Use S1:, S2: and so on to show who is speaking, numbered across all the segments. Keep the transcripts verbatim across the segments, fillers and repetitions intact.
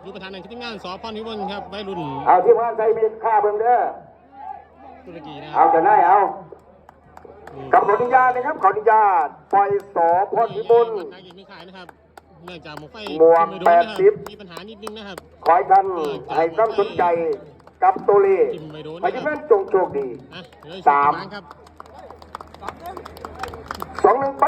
S1: ดูประธานในทีมงานสพนิวรณ์ครับวัยรุ่น
S2: เอาทีมงานใส่มีค่าเบิ่งเด้อ
S1: ตุรกีนะ
S2: เอาจะได้เอากับขออนุญาตนะครับขออนุญาตปล่อยสอพรพิบูล
S1: นักยิงไม่ขายนะครับเนื่องจากหมวกไฟ
S2: หมวกแปดสิบ
S1: มีปัญหานิดนึงนะครับ
S2: ขอให้ท่านให้ความสนใจกับตัวเลขให้ท่านจงโชคดีสามสองหนึ่งไป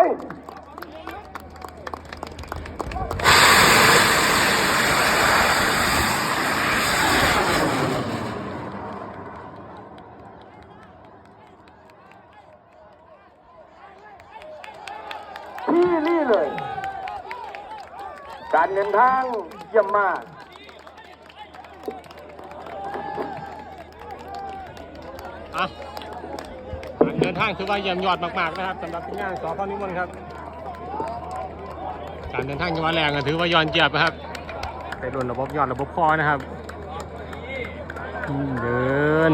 S2: ที่นี่เลยการเดินทางเยี่ยมมาก
S1: อ่ะการเดินทางถือว่าเยี่ยมยอดมากๆนะครับสำหรับทีมงานสพนิวรณ์ครับการเดินทางจังหวัดแรงถือว่ายอดเยี่ยมนะครับไปรุ่นระบบยอดระบบคอนะครับเดิน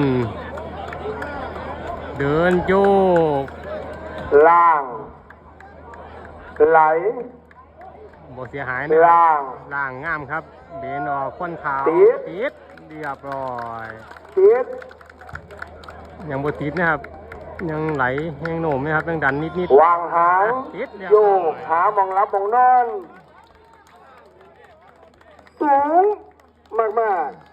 S1: เดินโยก
S2: ล่างไหล
S1: บ่เสียหายนะ
S2: ล่าง
S1: ล่างงามครับเบนออกค้นขาวติดเรียบร้อย
S2: ติด
S1: ยังบ่ติดนะครับยังไหลยังโหน่มนะครับยังดันนิด
S2: ๆวางหางโยกหามองรับมองนอนสูงมากๆ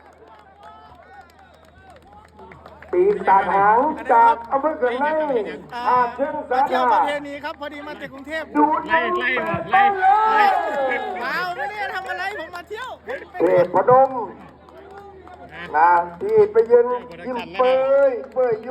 S2: ปีตาหางจากอำเภอเกิดไล่อาเชิงสา
S3: เที่ยวประเพณีครับพอดีมาจากกรุงเทพ
S2: ดู
S1: ไล่ไล่ไล่ไล่
S3: ว้าวไม่ได้ทำอะไรผมมาเที่ยว
S2: เทพพนมนะที่ไปยืนยิ้มเปยเปย